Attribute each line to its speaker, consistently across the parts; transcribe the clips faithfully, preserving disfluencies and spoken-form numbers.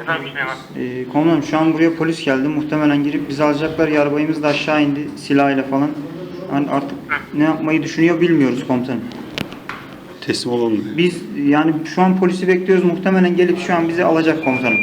Speaker 1: Efendim Süleyman.
Speaker 2: Ee, komutanım şu an buraya polis geldi. Muhtemelen girip bizi alacaklar. Yarbayımız da aşağı indi silahıyla falan. Hani artık ne yapmayı düşünüyor bilmiyoruz komutanım.
Speaker 3: Teslim olalım mı?
Speaker 2: Biz yani şu an polisi bekliyoruz. Muhtemelen gelip şu an bizi alacak komutanım.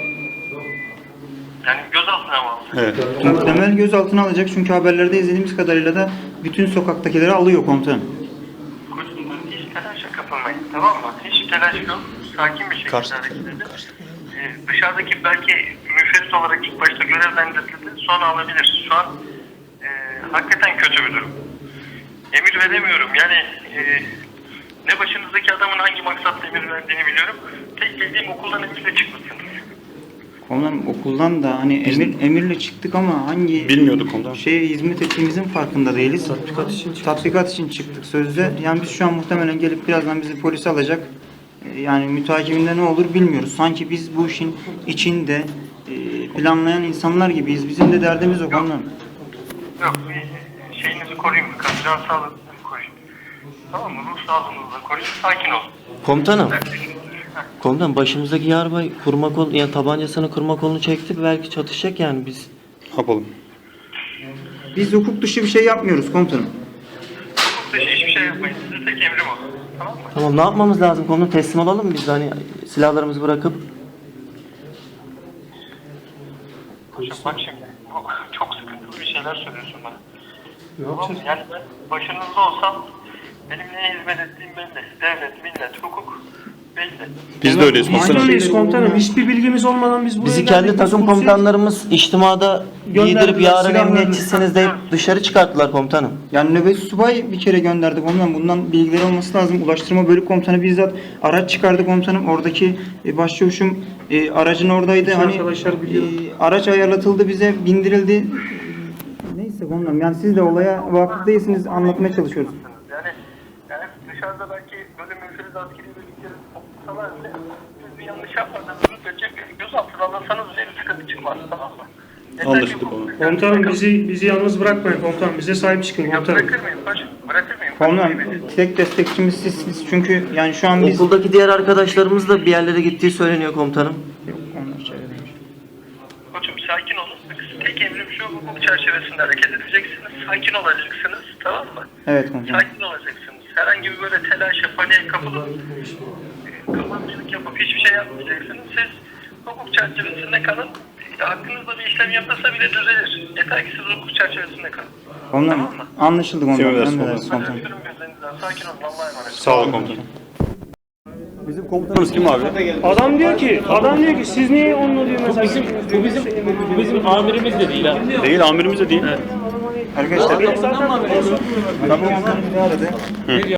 Speaker 1: Yani gözaltına mı aldın?
Speaker 3: Evet.
Speaker 2: Muhtemel gözaltına alacak çünkü haberlerde izlediğimiz kadarıyla da bütün sokaktakileri alıyor komutanım.
Speaker 1: Koçum hiç telaşa kapılmayın, tamam mı? Hiç telaş yok. Sakin bir şekilde
Speaker 3: Karşı-
Speaker 1: hareket edin. Ee, dışarıdaki belki müfettiş olarak ilk başta görevlendirildi, sonra alabilir. Şu an e, hakikaten kötü bir durum. Emir veremiyorum. Yani e, ne başınızdaki adamın hangi maksatla emir verdiğini biliyorum. Tek bildiğim okuldan emirle çıkmışsınız.
Speaker 2: Komutanım okuldan da hani emir, emirle çıktık ama hangi
Speaker 3: Bilmiyorduk komutanım.
Speaker 2: şeye hizmet ettiğimizin farkında değiliz. Tatbikat için çıktık. Tatbikat için çıktık sözde. Yani biz şu an muhtemelen gelip birazdan bizi polise alacak. Ee, Yani mütakibinde ne olur bilmiyoruz. Sanki biz bu işin içinde e, planlayan insanlar gibiyiz. Bizim de derdimiz o konudan.
Speaker 1: Yok, bir şeyinizi koruyun. Can sağlığınızı koruyun. Tamam mı? Ruh sağlığınızı da koruyun. Sakin olun.
Speaker 4: Komutanım. Komutanım başımızdaki yarbay kurma kol, yani tabancasını kurma kolunu çekti. Belki çatışacak yani biz.
Speaker 3: Ne yapalım?
Speaker 2: Biz hukuk dışı bir şey yapmıyoruz komutanım.
Speaker 1: Hukuk dışı hiçbir şey yapmayın. Size tek emrim o. Tamam mı?
Speaker 4: Tamam, ne yapmamız lazım komutanım? Teslim olalım mı biz de hani silahlarımızı bırakıp?
Speaker 1: Koçum bak şimdi. Bu çok sıkıntılı bir şeyler söylüyorsun bana. Tamam mı? Yani ben başınızda olsam benim neye hizmet ettiğim belli. Devlet, millet, hukuk belli.
Speaker 3: Biz de öyleyiz
Speaker 5: Biz de
Speaker 3: komutanım.
Speaker 5: öyleyiz komutanım. Hiçbir bilgimiz olmadan biz buraya
Speaker 4: Bizi
Speaker 5: geldik.
Speaker 4: kendi
Speaker 5: Biz
Speaker 4: takım
Speaker 5: komiseriz.
Speaker 4: komutanlarımız içtimada
Speaker 5: Gönderdiler,
Speaker 4: giydirip yarın
Speaker 5: silahlarını-
Speaker 4: emniyetçisiniz deyip dışarı çıkarttılar komutanım.
Speaker 2: Yani nöbet subay bir kere gönderdi komutanım. Bundan bilgileri olması lazım. Ulaştırma Bölük Komutanı bizzat araç çıkardı komutanım. Oradaki e, başçavuşum e, aracın oradaydı.
Speaker 5: Bütün
Speaker 2: Hani
Speaker 5: arkadaşlar biliyor.
Speaker 2: e, araç ayarlatıldı bize, bindirildi. Neyse komutanım. Yani siz de olaya vakıf değilsiniz. Anlatmaya çalışıyoruz.
Speaker 1: Yani, yani dışarıda belki böyle müferiz askeri bölükleri toplasalar bile siz bir yanlış yapmadığınızı söyleyecek gözaltına alırsanız bile bir sıkıntı çıkmaz, tamam mı? Yeter ki
Speaker 3: Anlaştık
Speaker 1: bu-
Speaker 3: komutanım.
Speaker 5: Komutanım bizi bizi yalnız bırakmayın komutanım. Bize sahip çıkın
Speaker 1: Ya
Speaker 5: komutanım.
Speaker 1: bırakır mıyım paşam? Bırakır mıyım?
Speaker 2: Komutanım
Speaker 1: Bırakır mıyım?
Speaker 2: tek destekçimiz sizsiniz. Çünkü yani şu an biz...
Speaker 4: Okuldaki diğer arkadaşlarımız da bir yerlere gittiği söyleniyor komutanım.
Speaker 2: Yok, onlar şey demiş.
Speaker 1: Koçum sakin olun. Tek emrim şu, hukuk çerçevesinde hareket edeceksiniz. Sakin olacaksınız, tamam mı?
Speaker 2: Evet komutanım.
Speaker 1: Sakin olacaksınız. Herhangi bir böyle telaşa, paniğe kapılıp e, kapatçılık yapıp hiçbir şey yapmayacaksınız. Siz hukuk çerçevesinde kalın. E, Hakkınızda bir işlem yapılsa bile düzelir. Yeter ki siz hukuk çerçevesinde kalın.
Speaker 2: Komutanım
Speaker 1: Tamam mı?
Speaker 2: anlaşıldı komutanım.
Speaker 3: Emredersiniz
Speaker 2: Emredersiniz
Speaker 1: Ben
Speaker 2: komutanım.
Speaker 1: öpüyorum gözlerinizden. Sakin olun. Allah'a emanet.
Speaker 3: Sağ olun komutanım. Bizim komutanımız kim abi?
Speaker 5: Adam diyor ki, adam diyor ki siz niye onunla diyor mesela
Speaker 6: Bizim, bu bizim, bu bizim amirimiz de değil ha.
Speaker 3: Değil, amirimiz de değil.
Speaker 2: Arkadaşlar
Speaker 5: zaten
Speaker 2: tabu komutanı bizi aradı.